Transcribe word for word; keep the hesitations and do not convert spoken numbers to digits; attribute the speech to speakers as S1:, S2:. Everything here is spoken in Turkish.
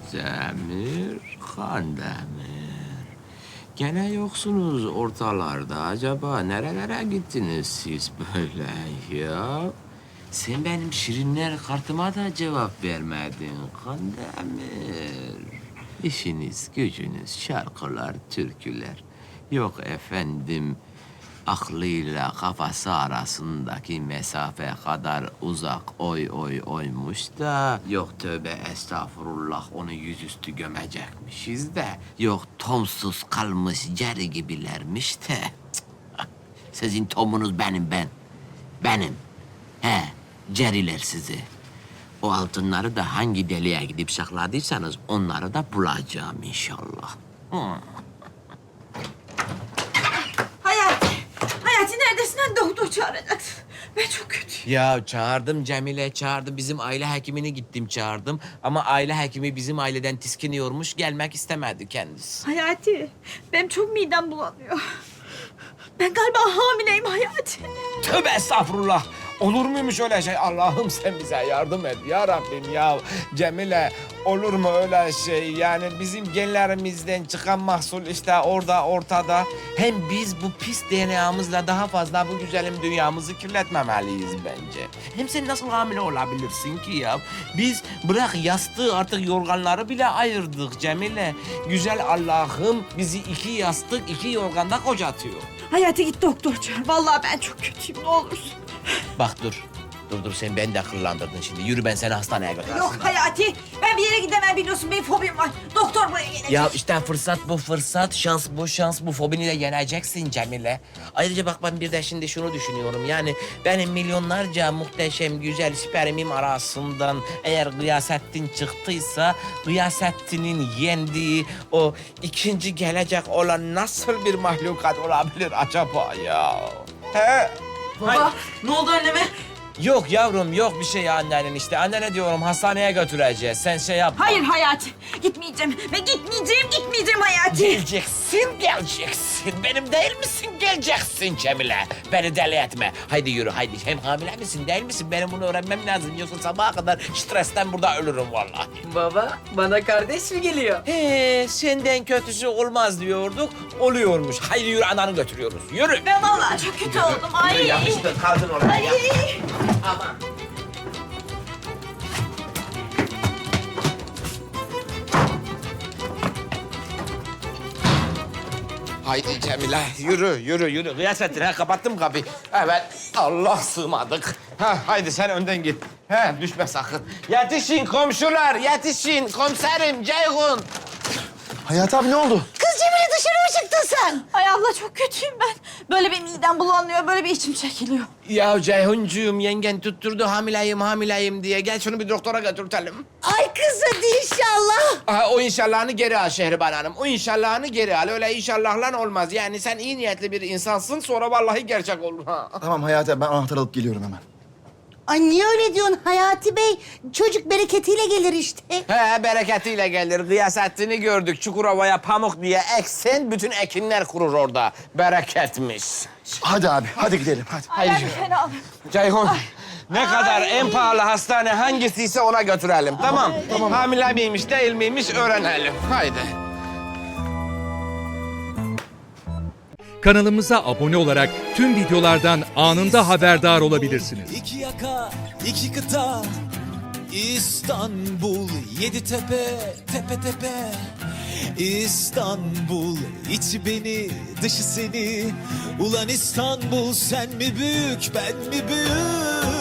S1: Demir, Kandemir. Gene yoksunuz ortalarda. Acaba nerelere gittiniz siz böyle ya? Sen benim şirinler kartıma da cevap vermedin Kandemir. İşiniz, gücünüz, şarkılar, türküler. Yok efendim, aklıyla kafası arasındaki mesafe kadar uzak oy oy oymuş da... Yok tövbe estağfurullah onu yüzüstü gömecekmişiz de... Yok tomsuz kalmış ceri gibilermiş de... Cık, sizin tomunuz benim ben. Benim. He, ceriler sizi. O altınları da hangi deliğe gidip sakladıysanız onları da bulacağım inşallah. Hı.
S2: Hayati, Hayati neredesin? Hani doktor çağıracaksın. Ben çok kötüyüm.
S1: Ya çağırdım Cemile, çağırdım. Bizim aile hekimini gittim çağırdım. Ama aile hekimi bizim aileden tiskiniyormuş, gelmek istemedi kendisi.
S2: Hayati, benim çok midem bulanıyor. Ben galiba hamileyim Hayati.
S1: Tövbe estağfurullah. Olur muymuş öyle şey? Allah'ım sen bize yardım et ya Rabbim ya. Cemile olur mu öyle şey? Yani bizim genlerimizden çıkan mahsul işte orada ortada. Hem biz bu pis D N A'mızla daha fazla bu güzelim dünyamızı kirletmemeliyiz bence. Hem sen nasıl hamile olabilirsin ki ya? Biz bırak yastığı artık yorganları bile ayırdık Cemile. Güzel Allah'ım bizi iki yastık iki yorganda kocatıyor.
S2: Hayati git doktor çağır. Vallahi ben çok kötüyüm ne olursun.
S1: Bak dur. Dur dur sen beni de kırlandırdın şimdi. Yürü ben seni hastaneye götürürüm.
S2: Yok Hayati, ben bir yere gidemem biliyorsun. Benim fobim var. Doktor buraya gelecek.
S1: Ya işte fırsat bu fırsat, şans bu şans, bu fobini de yeneceksin Cemile. Ayrıca bak ben bir de şimdi şunu düşünüyorum. Yani benim milyonlarca muhteşem güzel spermim arasından eğer Gıyasettin çıktıysa... ...Gıyasettin'in yendiği o ikinci gelecek olan nasıl bir mahlukat olabilir acaba ya? He?
S2: Baba, ne oldu anneme?
S1: Yok yavrum yok bir şey annenin işte. Annene diyorum hastaneye götüreceğiz. Sen şey yapma.
S2: Hayır Hayati, gitmeyeceğim. Ve gitmeyeceğim, gitmeyeceğim Hayati.
S1: Geleceksin, geleceksin. Benim değil misin? Geleceksin Cemile. Beni deli etme. Haydi yürü, haydi. Hem hamile misin, değil misin? Benim bunu öğrenmem lazım. Yoksa sabaha kadar stresten burada ölürüm vallahi.
S3: Baba, bana kardeş mi geliyor?
S1: He, senden kötüsü olmaz diyorduk. Oluyormuş. Haydi yürü, ananı götürüyoruz. Yürü.
S2: Ben vallahi çok kötü oldum. Ay.
S1: Yürü, yapıştır, kaldın oraya.
S2: Ay.
S1: Ya. Aman. Haydi Cemile, yürü, yürü, yürü. Gıyasettin, ha kapattım kapıyı. Evet, Allah sığmadık. Ha, haydi sen önden git. Ha, düşme sakın. Yetişin komşular, yetişin. Komiserim, Ceyhun.
S4: Hayati abi ne oldu?
S2: Kız Cemile dışarı mı çıktın sen? Ay Allah çok kötüyüm ben. Böyle bir midem bulanıyor, böyle bir içim çekiliyor.
S1: Ya Ceyhuncuğum, yengen tutturdu hamileyim, hamileyim diye. Gel şunu bir doktora götürtelim.
S2: Ay kız hadi inşallah.
S1: Aha, o inşallahını geri al Şehriban Hanım. O inşallahını geri al. Öyle inşallahla olmaz. Yani sen iyi niyetli bir insansın, sonra vallahi gerçek olur. Ha.
S4: Tamam Hayati abi ben anahtar alıp geliyorum hemen.
S5: Ay niye öyle diyorsun Hayati Bey? Çocuk bereketiyle gelir işte.
S1: He, bereketiyle gelir. Gıyasettin'i gördük. Çukurova'ya pamuk diye eksen, bütün ekinler kurur orada. Bereketmiş.
S4: Hadi abi hadi gidelim hadi.
S2: Ay ben bir fena oldum.
S1: Ceyhun, ne kadar en pahalı hastane hangisiyse ona götürelim, tamam? Tamam. Hamile miymiş, değil miymiş öğrenelim. Haydi.
S6: Kanalımıza abone olarak tüm videolardan anında haberdar olabilirsiniz.
S7: İki yaka, iki kıta, İstanbul, yedi tepe, tepe tepe. İstanbul, içi beni, dışı seni. Ulan İstanbul, sen mi büyük, ben mi büyük?